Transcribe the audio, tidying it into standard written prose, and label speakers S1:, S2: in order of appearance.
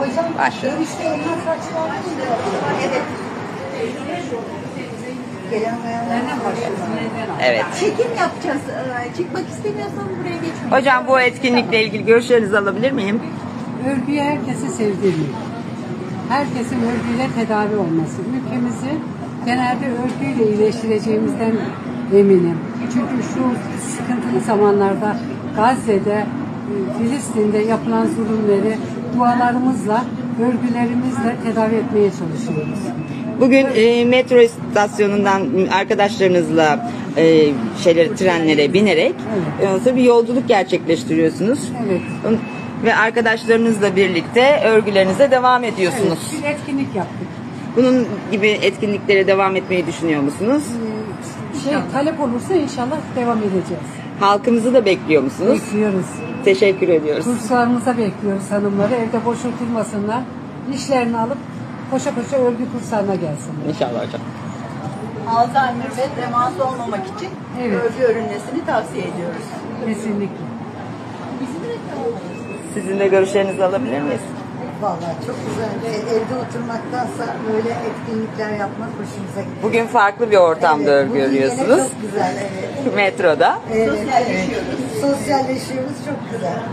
S1: Başlayalım.
S2: Evet. Gelen bayanlardan başlıyoruz.
S1: Evet.
S2: Çekim yapacağız. Çıkmak istemiyorsan buraya geçmeyin.
S1: Hocam bu etkinlikle ilgili görüşlerinizi alabilir miyim?
S3: Örgüyü herkese sevdirmek. Herkesin örgüyle tedavi olması. Ülkemizi genelde örgüyle iyileştireceğimizden eminim. Çünkü şu sıkıntılı zamanlarda Gazze'de, Filistin'de yapılan zulümleri dualarımızla, örgülerimizle tedavi etmeye çalışıyoruz.
S1: Bugün metro istasyonundan arkadaşlarınızla trenlere binerek bir yolculuk gerçekleştiriyorsunuz.
S3: Evet.
S1: Ve arkadaşlarınızla birlikte örgülerinize devam ediyorsunuz.
S3: Evet, bir etkinlik yaptık.
S1: Bunun gibi etkinliklere devam etmeyi düşünüyor musunuz?
S3: Talep olursa inşallah devam edeceğiz.
S1: Halkımızı da bekliyor musunuz?
S3: Bekliyoruz.
S1: Teşekkür ediyoruz.
S3: Kurslarımıza bekliyoruz hanımları. Evde boş oturmasınlar. İşlerini alıp koşa koşa örgü kurslarına gelsinler.
S1: İnşallah hocam.
S2: Alzheimer ve demans olmamak için
S3: Evet.
S2: örgü örülmesini tavsiye ediyoruz.
S3: Kesinlikle.
S1: Sizin de görüşlerinizi alabilir miyiz?
S2: Vallahi çok güzel. Evde oturmaktansa böyle etkinlikler yapmak hoşumuza gidiyor.
S1: Bugün farklı bir ortamda örgü
S2: bugün yine
S1: örüyorsunuz.
S2: çok güzel. Evet.
S1: Metroda.
S2: Evet, sosyalleşiyoruz. Sosyalleşiyoruz. Çok güzel.